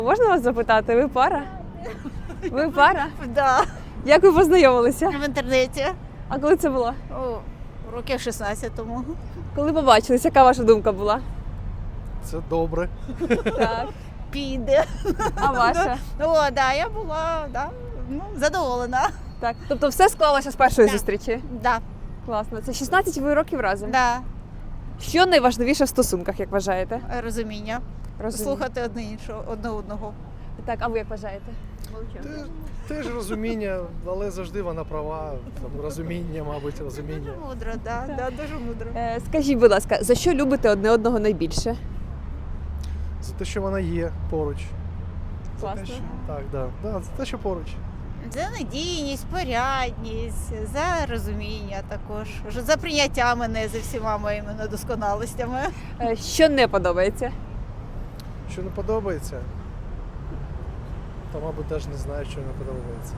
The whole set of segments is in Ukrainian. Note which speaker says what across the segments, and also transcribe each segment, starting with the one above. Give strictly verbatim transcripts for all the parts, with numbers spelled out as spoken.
Speaker 1: Можна вас запитати, ви пара? Ви пара?
Speaker 2: Да,
Speaker 1: Як ви познайомилися?
Speaker 2: в інтернеті.
Speaker 1: А коли це було?
Speaker 2: О, років шістнадцять тому.
Speaker 1: Коли побачились, яка ваша думка була?
Speaker 3: Це добре.
Speaker 1: Так.
Speaker 2: Піде.
Speaker 1: А ваша?
Speaker 2: О, да, я була да, ну, задоволена.
Speaker 1: Так. Тобто все склалося з першої
Speaker 2: Так.
Speaker 1: зустрічі?
Speaker 2: Да,
Speaker 1: Класно. Це шістнадцять ви років разом.
Speaker 2: да,
Speaker 1: Що найважливіше в стосунках, як вважаєте?
Speaker 2: розуміння.
Speaker 1: Розумію.
Speaker 2: Слухати одне іншого, одне одного.
Speaker 1: Так, а ви як вважаєте?
Speaker 3: Теж, теж розуміння, але завжди вона права. Там, розуміння, мабуть, розуміння.
Speaker 2: Дуже мудро, да, да, дуже мудро.
Speaker 1: Е, скажіть, будь ласка, за що любите одне одного найбільше?
Speaker 3: За те, що вона є поруч. За те,
Speaker 1: Класно.
Speaker 3: що, так, да, да, за те, що поруч.
Speaker 2: За надійність, порядність, за розуміння також, за прийняття мене за всіма моїми недосконалостями.
Speaker 1: Е, що не подобається?
Speaker 3: Що не подобається, то, мабуть, теж не знаю, що не подобається.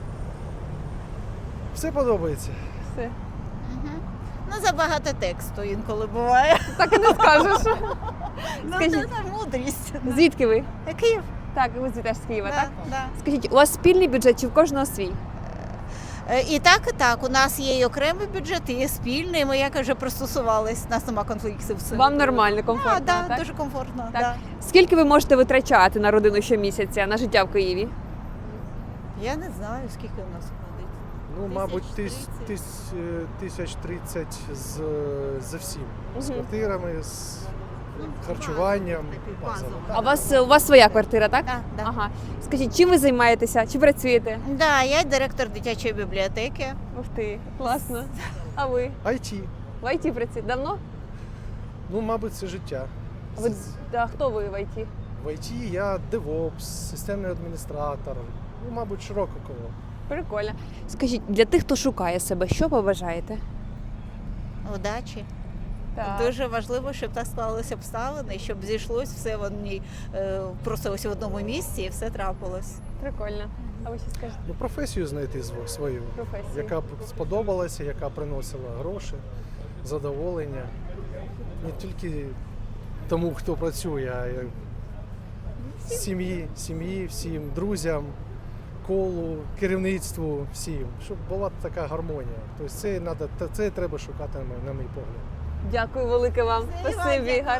Speaker 3: Все подобається.
Speaker 1: Все.
Speaker 2: Мгм. Ну, забагато тексту інколи буває.
Speaker 1: Так і не скажеш.
Speaker 2: Ну,
Speaker 1: Скажіть.
Speaker 2: це не мудрість.
Speaker 1: Звідки ви?
Speaker 2: Київ?
Speaker 1: Так, ви звідти теж з Києва,
Speaker 2: Да,
Speaker 1: так?
Speaker 2: да.
Speaker 1: Скажіть, у вас спільний бюджет чи в кожного свій?
Speaker 2: Е, І так, і так. У нас є і окремий бюджет, і є спільний. Ми як вже пристосувались, у нас нема конфліктів. з цим.
Speaker 1: Вам нормально, комфортно,
Speaker 2: А, да,
Speaker 1: так?
Speaker 2: дуже комфортно.
Speaker 1: Так.
Speaker 2: Да.
Speaker 1: Скільки ви можете витрачати на родину щомісяця, на життя в Києві?
Speaker 2: Я не знаю, скільки у нас ходить.
Speaker 3: Ну, мабуть, тис,
Speaker 2: тридцять.
Speaker 3: тис, е, тисяч тридцять з, за всім. З
Speaker 1: Мгм.
Speaker 3: квартирами, з харчуванням. базово.
Speaker 1: А у вас, у вас своя квартира, так?
Speaker 2: Да, да.
Speaker 1: Ага. Скажіть, чим ви займаєтеся? Чи працюєте?
Speaker 2: Да, я директор дитячої бібліотеки.
Speaker 1: Ух ти, класно. А ви?
Speaker 3: ай ті.
Speaker 1: В ай ті працюєте? Давно?
Speaker 3: Ну, мабуть, це життя.
Speaker 1: А ви, да, хто ви в ай ті?
Speaker 3: В ай ті я девопс, системний адміністратор. Ну, мабуть, широко коло.
Speaker 1: Прикольно. Скажіть, для тих, хто шукає себе, що побажаєте?
Speaker 2: Удачі.
Speaker 1: Так.
Speaker 2: Дуже важливо, щоб так склалися обставини, щоб зійшлось все в одній, е, просто ось в одному місці і все трапилось.
Speaker 1: Прикольно. А ви що скажете?
Speaker 3: Ну, професію знайти зв- свою,
Speaker 1: Професію.
Speaker 3: яка б сподобалася, яка приносила гроші, задоволення. Не тільки тому, хто працює, а й сім'ї, сім'ї, всім друзям, колу, керівництву, всім, щоб була така гармонія. Тобто це, надо, це треба шукати, на мій- на мій погляд.
Speaker 1: Дякую велике вам.
Speaker 2: Все, і вам
Speaker 1: Спасибі.
Speaker 2: дякую.